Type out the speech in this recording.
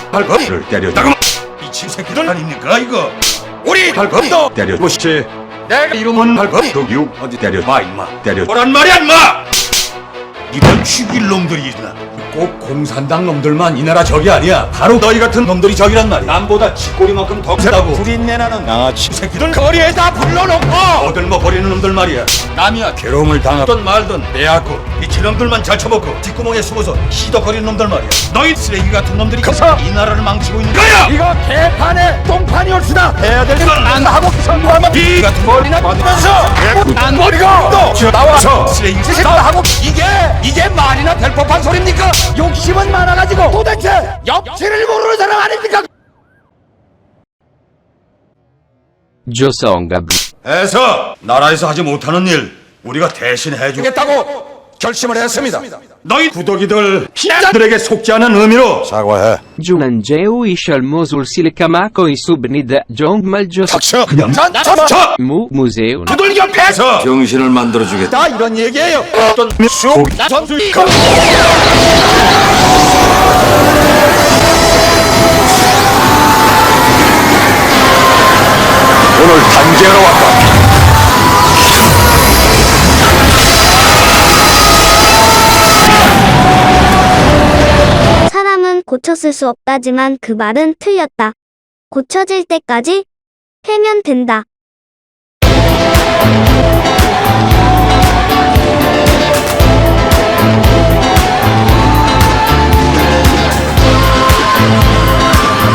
발버를 때렸다고 미친 새끼들 아닙니까 이거? 우리 발버도 때려보시지. 내가 이름은 발버도 어디 때려봐 임마. 때려보란 말이야 임마. 이런 죽일 놈들이 있나? 꼭 공산당 놈들만 이 나라 적이 아니야. 바로 너희 같은 놈들이 적이란 말이야. 남보다 쥐꼬리만큼 더 세다고. 불인내 나는 양아치 새끼들 거리에다 불러놓고 어들머 버리는 놈들 말이야. 남이야 괴로움을 당하든 말든 내하고 이 저놈들만 잘 쳐먹고 뒷구멍에 숨어서 시덕거리는 놈들 말이야. 너희 쓰레기 같은 놈들이 커서 이 나라를 망치고 있는 거야. 이거 개판에 똥판이 올수다. 해야 될 건 안 하고 선거하면 이 같은 머리나 받으면서 안 버리고 또 나와서 쓰레기 짓다 하고 이게 말이나 될 법한 소리입니까? 욕심은 많아가지고 도대체 역치를 모르는 사람 아닙니까? 조성갑 해서 나라에서 하지 못하는 일 우리가 대신 해주겠다고 결심을 했습니다. 너희 구더기들 피자들에게 속지 않은 의미로 사과해. Jumanjeu ishal mosul silkamako isubnid jongmaljo 닥쳐 그냥 닥쳐. museu 두들 옆에서 정신을 만들어주겠다 이런 얘기예요. 어떤 쑥 전술 오늘 단계하러 왔다. 사람은 고쳤을 수 없다지만 그 말은 틀렸다. 고쳐질 때까지 해면 된다.